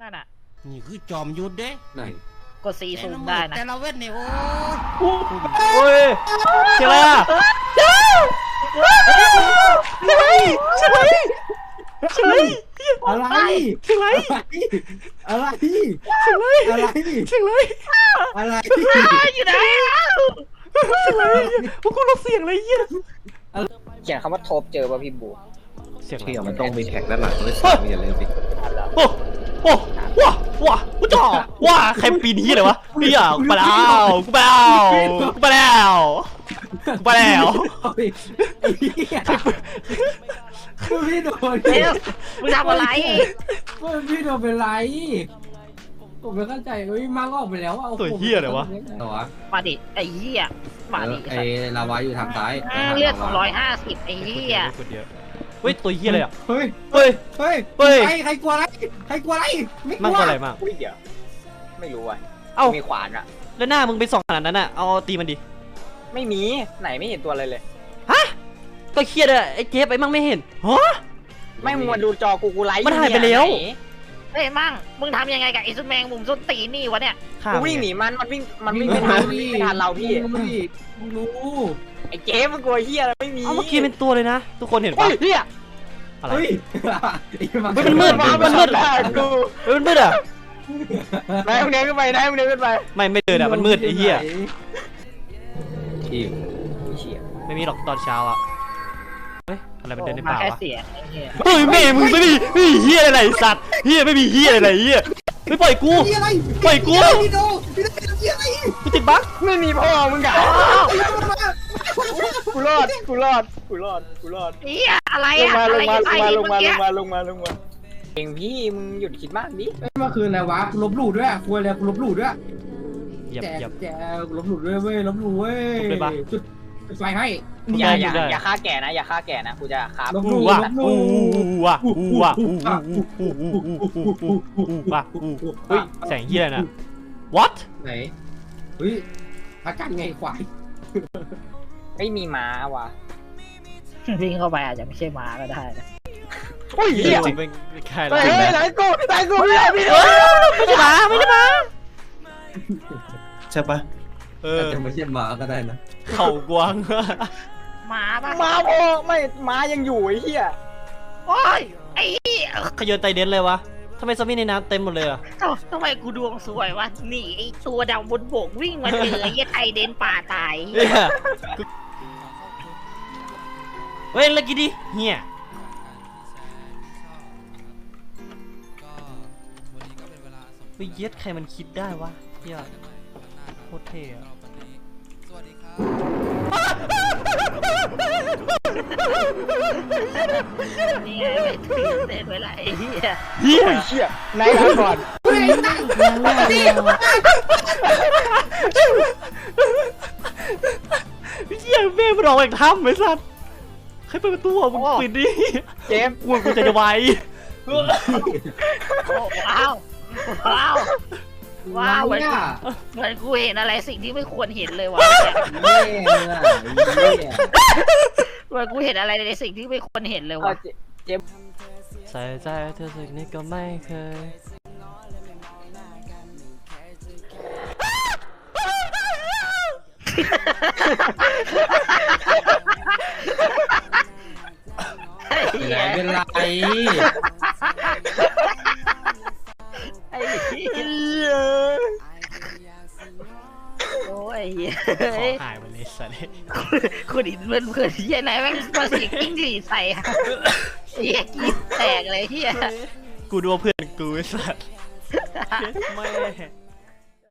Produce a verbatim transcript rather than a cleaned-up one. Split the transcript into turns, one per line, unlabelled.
นั่นน่ะ
นี่คือจอมยุทธเด้
ไหน
กดสีซูมได้นะ
แต่ละเวทเนี่ยโอ้
โอ้ยเชื่ออะไรอ่ะเชื่ออะไรเชื่ออะไรเชื่ออะไร
อะไร
เชื่ออะไร
อะไร
เชื่ออะไร
อะไร
เชื่ออะไร
อะไร
อยู่ไหน
เชื่ออะไรพวกกูเราเสียงอะไรเงี้ย
เขียนคำว่าทบเจอป่ะพี่บู
เสียงอะไร
เที่ยวมันต้องมีแท็กด้านหลังด้วยสิอย่าลืมสิ
โอ้โอ้ว้าว้าว้าจ่อว้าใครปีนที่อะไรวะเฮียกูไปแล้วกูไปแล้วกูไปแล้วกูไปแล้ว
พี่โดน
เอ๊ะมึงทำอะไร
พี่โดนเป็นไรผมไม่เข้าใจเฮ้ยมังออกไปแล้วอ่ะ
ตัวเฮียอะไรวะ
มาดิไอ้เหี้ยมาดิ
ไอ้ลาวาอยู่ทางซ้าย
เลือดร้อยห้าสิบไอ้เหี้ย
เฮ้ยตัวเฮียอะไรอ่ะ
เฮ้ย
เฮ้ย
เฮ้ย
เฮ้ย
ใครใครกลัวอะไรใครกลัวอะไรไม่ก
มั่ง
ลัว
ก็อะไรมาก
อุ้ยเดี๋ยวไม่รู้ว่ะ
เอ้า
มีขวานอะ
แล้วหน้ามึงไปส่องขนาดนั้นอ่ะเอาตีมันดิ
ไม่มีไหนไม่เห็นตัวอะไรเลย
ฮะก็เครียดอะไอ้เจฟไอ้มั่งไม่เห็นฮะ
ไม่มึงมาดูจอกูกูไลฟ์
มันหายไปแล้ว
เฮ้ยมั่งมึงทำยังไงกับไอ้ซุนแมงมุมส้นตีนี่วะเนี่ย
กูวิ่งหนีมันมันวิ่งมันวิ่งไม่ทันมันวิ่งไม่ทันเราพี่
มึงรู้
ไอ้เจ๊มึงกลัวเฮียอะไรไม่มี
เอาเมื่อกี้เป็นตัวเลยนะทุกคนเห็น
เฮ้
ปะ
ยเฮีย
อะไร
เฮ้ย
เฮ้ยมันมืด
มา
มันมืด
แล้วกู
เฮ้ยมันมืดอ่ะ
นายมึงเดินขึ้นไปนายมึงเดินขึ้นไป
ไม่ไม่เดินอ่ะมันมืดไอ้เหี้ย
อีก
เชี่ย
ไม่มีหรอกตอนเช้าอ่ะเฮ้ยอะไรมันเดินใน
มา
ป่า
แค่
วะ
เสียงไอ้เหี้ย
เฮ้ยแม่มึงไม่มีไม่มีเหี้ยอะไรสัตว์เหี้ยไม่มีเหี้ยอะไรเหี้ยไม่ปล่อยกู
พี่อะไร
ปล่อยกู
พี่โดพี่โดพี่อะไร
กูติดบั๊ก
ไม่มีพ่อมึงอะกูรอดกูรอดกูรอดกูรอด
เหี้ยอะไร
ลง
อะ
มา
อะ
ล
ไรง
มา
จะ
ลง
ใส่
มาล
เมื่อง
มา
กี้
ลงมาลงมาลงมาเองพี่มึงหยุดคิดมากดิ
เมื่อคืนอะไรวะลบหลู่ด้วยคุยอะไรลบหลู่ด้วย
เหยียบ
แจก
เหยียบ
แจกลบหลู่ด้วยเว้ยลบหลู่เว้ย
ลบเลยปะ
จุดไฟให้
อย่าอย่า
ได้
อย่าฆ่าแก่นะอย่าฆ่าแก่นะกูจะฆ่า
ลบ
อู้ว่ะอู้ว่ะอู้ว่ะอู้อู้อู้อู้อู้อู้อู้ว่ะอู้เฮ้ยแสงเหี้ยอะไรน่ะ what
ไหนเฮ้ยอาการไงควาย
ไม่มีม้าว่ะ
วิ่งเข้าไปอาจจะไม่ใช่ม้าก็ได้นะ
โอ้ย
เหี้
เฮี
ย
ย
จริงเป็นใคร
เฮ้
ล่ะ
ยไหนกูไหนกูพี่พี่
เออไม่ได้มาไม่ได้มา
ใช่ปะ
เอ
อา
อ
จจะไม่ใช่หมาก็ได้นะ
เข่ากวาง
ม้าปะ
ม้าพ่อไม่ม้ายังอยู่ไอ้เหี้ย
โอ้ยไอ้เหี้ย
ขยนไตเด่นเลยวะทำไมซอมบี้ในน้ำเต็มหมดเลยอ่ะ
เอ้าทำไมกูดวงสวยวะหนีไอ้ตัวดำบนบกวิ่งมาเจอไอ้เหี้ยไทยเดนป่าตาย
เฮ้ยเฮ้ยแล้วกินดิเฮียเฮ้ยเย็ดใครมันคิดได้วะเฮียโคตรเท่อะ
นี่ไงไปตื่นเต้นเวลาไอ้เหี้ย
เฮีย
เหี้ยนายลาก่อน
เฮียแม่มันออกจากถ้ำไอ้สัสใครเปิดประตูอ่ะมึงปิดดิ
เจมส์
กลัวกูจะจะไว
โอ้ว้าวว้าวว้าวเหมือน
เนี่ย
เหมือนกูเห็นอะไรสิ่งที่ไม่ควรเห็นเลยว่ะ
เย่เนี่ยเย่
เหมือนกูเห็นอะไรในสิ่งที่ไม่ควรเห็นเลย
เอา
ว่ะ
เจมส์
ใส่ใจเธอสักนิดก็ไม่เคย
ไอ้เหี้
ไหน
ย
เป็นไร
ไอ้เหี้ยโอ้ยเหี้ย
ขอหายไปเลยสัส
คุณอินเพื่อนเพื่อนเหี้ยไหนแม่งมาสิงกิ้งดีใส่อะเหี้ยกินแตกเลยเหี้ย
กูดูว่าเพื่อนกูไอ้สัสไม่